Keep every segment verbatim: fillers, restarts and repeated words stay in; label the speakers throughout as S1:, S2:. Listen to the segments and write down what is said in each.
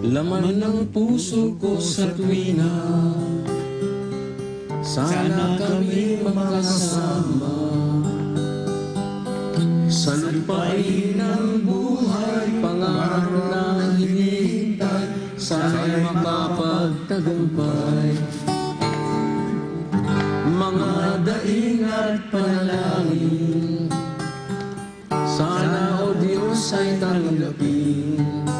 S1: laman ng puso ko sa tuwina. Sana kami makasama sa lupain ng buhay, pangarap na hinihintay, sana'y makapagtagumpay. Mga daing at panalangin, sana o Diyos ay tanggapin.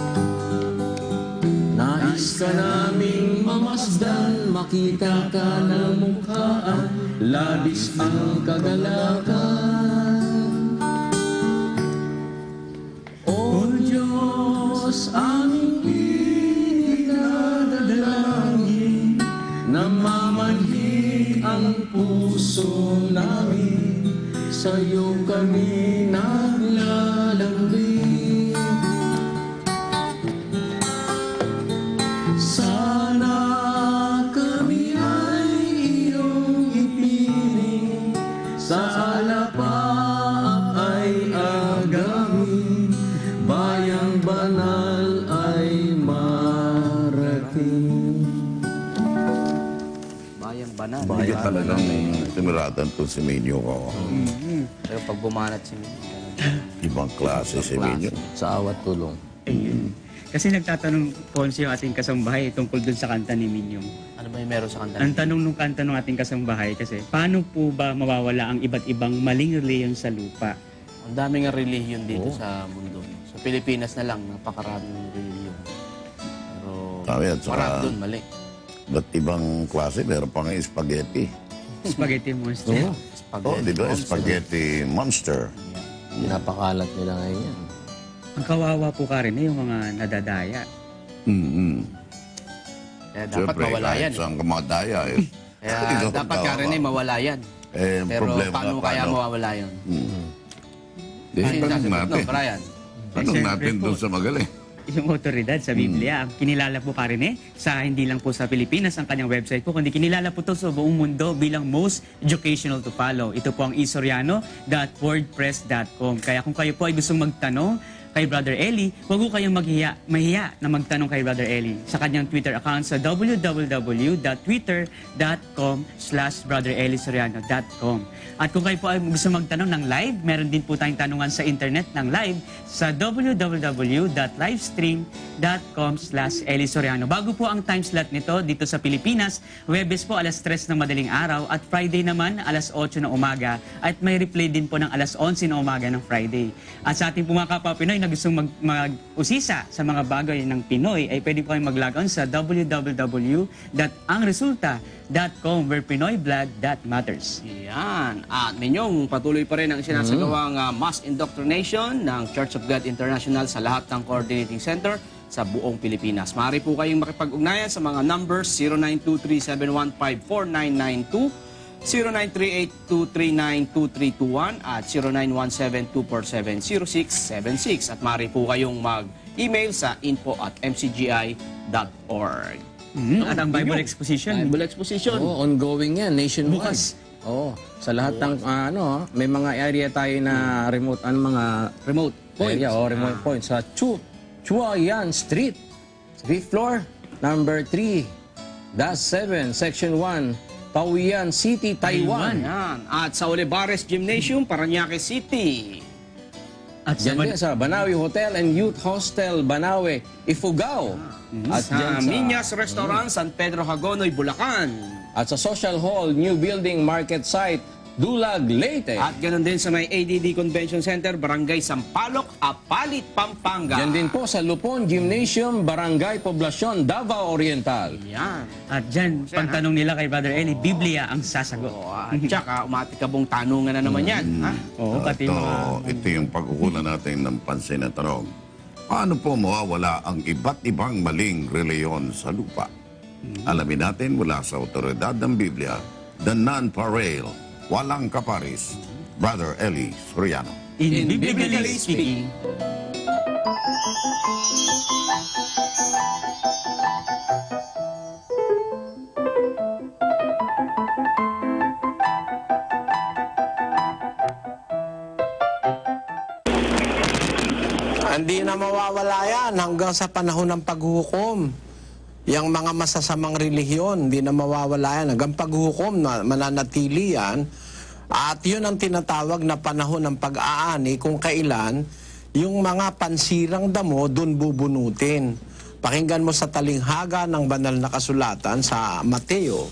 S1: Nais ka naming mamasdan, makita ka ng mukhaan, labis ang kagalakan. O Diyos, aming pinagdadalangin, namamanhik ang puso namin, sa'yo kami naglalambing. Sana kami ay iyong ipiling, sa alapaap ay agamin, bayang banal ay marating.
S2: Bayang banal.
S3: Hindi ka talagang timiradan to si Minyo ko.
S2: Mm-hmm. Pero pag bumanat si Minyo,
S3: Ibang klase si Minyo.
S1: Sa awat tulong.
S4: Ayun. Kasi nagtatanong po yung ating kasambahay tungkol dun sa kanta ni Minyong.
S2: ano ba yung meron sa kanta?
S4: Ang tanong nung kanta ng ating kasambahay kasi, paano po ba mawawala ang iba't ibang maling reliyon sa lupa?
S2: Ang daming relihiyon dito
S1: Oo.
S2: sa mundo. Sa Pilipinas na lang, napakaraming relihiyon. Pero
S3: Sabi at saka-
S2: marami dun, mali.
S3: Ba't ibang klase? Meron pa nga spaghetti.
S4: Spaghetti monster.
S1: Oo.
S3: Oh, di ba?
S2: Monster.
S3: Spaghetti monster.
S1: Pinapakalat nila ngayon yan.
S4: Ang kawawa po ka rin eh, yung mga nadadaya.
S3: Mm-hmm.
S2: Kaya dapat mawala yan.
S3: Kahit saan ka madaya eh.
S2: Kaya
S3: Ikaw ang
S2: dapat ka
S3: kawawa.
S2: rin eh, mawala yan.
S3: Eh, ang
S2: Pero
S3: problema
S2: paano
S3: nga,
S2: kaya
S3: paano?
S2: mawawala yun?
S3: Hmm. Di,
S2: Sino
S3: tanong
S2: sasagot
S3: natin.
S2: no, Brian?
S3: Tanong
S4: Eh,
S3: natin
S4: siyempre
S3: doon
S4: po.
S3: sa magaling.
S4: Yung otoridad sa Biblia, ang kinilala po ka rin eh, sa hindi lang po sa Pilipinas ang kanyang website po, kundi kinilala po ito sa buong mundo bilang most educational to follow. Ito po ang isoriano dot wordpress dot com. Kaya kung kayo po ay gustong magtanong kay Brother Eli, huwag po kayong maghiya, mahiya na magtanong kay Brother Eli sa kanyang Twitter account sa w w w dot twitter dot com slash brother eli soriano dot com. At kung kayo po ay gusto magtanong ng live, meron din po tayong tanungan sa internet ng live sa w w w dot livestream dot com slash eli soriano. Bago po ang time slot nito dito sa Pilipinas, Huwebes po alas tres ng madaling araw at Friday naman alas otso ng umaga at may replay din po ng alas onse ng umaga ng Friday. At sa ating po mga kapwa Pinoy na gustong mag- mag-usisa sa mga bagay ng Pinoy ay pwede po kayong mag-log on sa w w w dot ang resulta dot com where Pinoy blood that matters.
S2: Yan. At Minyong, patuloy pa rin ang sinasagawang uh, mass indoctrination ng Church of God International sa lahat ng coordinating center sa buong Pilipinas. Maaari po kayong makipag-ugnayan sa mga numbers zero nine two three seven one five four nine nine two, zero nine three eight two three nine two three two one at zero nine one seven two four seven zero six seven six. At maaari po kayong mag-email sa info at m c g i dot org.
S4: Mhm. At ang Bible Exposition,
S2: Bible Exposition.
S1: Oo, ongoing yan, nationwide.
S4: Bukas.
S1: Oo, sa lahat ng ah, ano, may mga area tayo na remote, ano mga
S2: Remote points.
S1: area o remote points sa Chu, Chuayan Street, fifth floor, number three, dash seven, section one, Taoyuan City, Taiwan.
S2: Yan. At sa Olivares Gymnasium, Parañaque City.
S4: at sa
S1: Diyan din sa Banawe Hotel and Youth Hostel, Banawe, Ifugao. At
S2: Sa
S1: dyan sa,
S2: Minyas Restaurant, San Pedro Hagonoy, Bulacan.
S1: at sa Social Hall, New Building Market Site, Dulag, Leyte.
S2: At ganoon din sa may A D D Convention Center, Barangay Sampaloc, Apalit, Pampanga.
S1: Diyan din po sa Lupon Gymnasium, Barangay Poblacion, Davao Oriental.
S2: Yan.
S4: At dyan,
S2: Yan,
S4: pagtanong nila kay Brother Eli, Biblia ang sasagot.
S2: O, at saka, umatikabong tanungan na naman yan. Ha?
S4: Oo, pati
S3: ito,
S4: mga...
S3: ito yung pagkukulan natin ng pansin na tanong. Paano po mawawala ang iba't ibang maling reliyon sa lupa? Alamin natin mula sa otoridad ng Biblia, the non-pareil, walang kaparis, Brother Eli Soriano.
S4: In,
S2: In
S4: biblically
S2: biblically
S4: speaking,
S5: Hindi na mawawala yan. yan hanggang sa panahon ng paghukom. Yang mga masasamang relihiyon, hindi na mawawala yan. Hanggang paghukom na mananatili yan. At yun ang tinatawag na panahon ng pag-aani kung kailan yung mga pansirang damo dun bubunutin. Pakinggan mo sa talinghaga ng banal na kasulatan sa Mateo.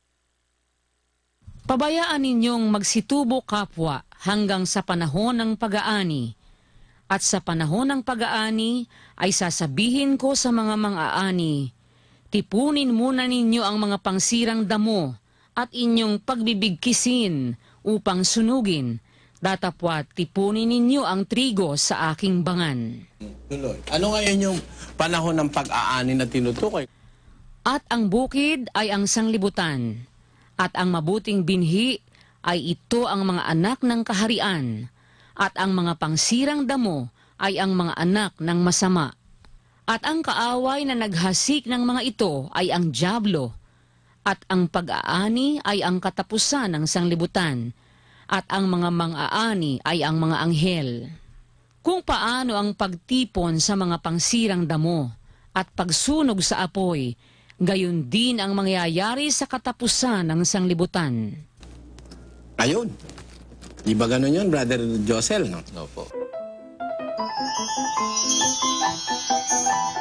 S6: Pabayaan ninyong magsitubo kapwa hanggang sa panahon ng pag-aani. At sa panahon ng pag-aani ay sasabihin ko sa mga mang-aani, tipunin muna ninyo ang mga pangsirang damo at inyong pagbibigkisin upang sunugin. Datapwat tipunin ninyo ang trigo sa aking bangan.
S5: Tuloy. Ano ngayon yung panahon ng pag-aani na tinutukoy?
S6: At ang bukid ay ang sanglibutan, at ang mabuting binhi ay ito ang mga anak ng kaharian, at ang mga pangsirang damo ay ang mga anak ng masama. At ang kaaway na naghasik ng mga ito ay ang dyablo, at ang pag-aani ay ang katapusan ng sanglibutan, at ang mga mang-aani ay ang mga anghel. Kung paano ang pagtipon sa mga pangsirang damo at pagsunog sa apoy, gayon din ang mangyayari sa katapusan ng sanglibutan.
S5: Ayun. Di ba ganun yun, Brother Josel? No?
S7: Opo.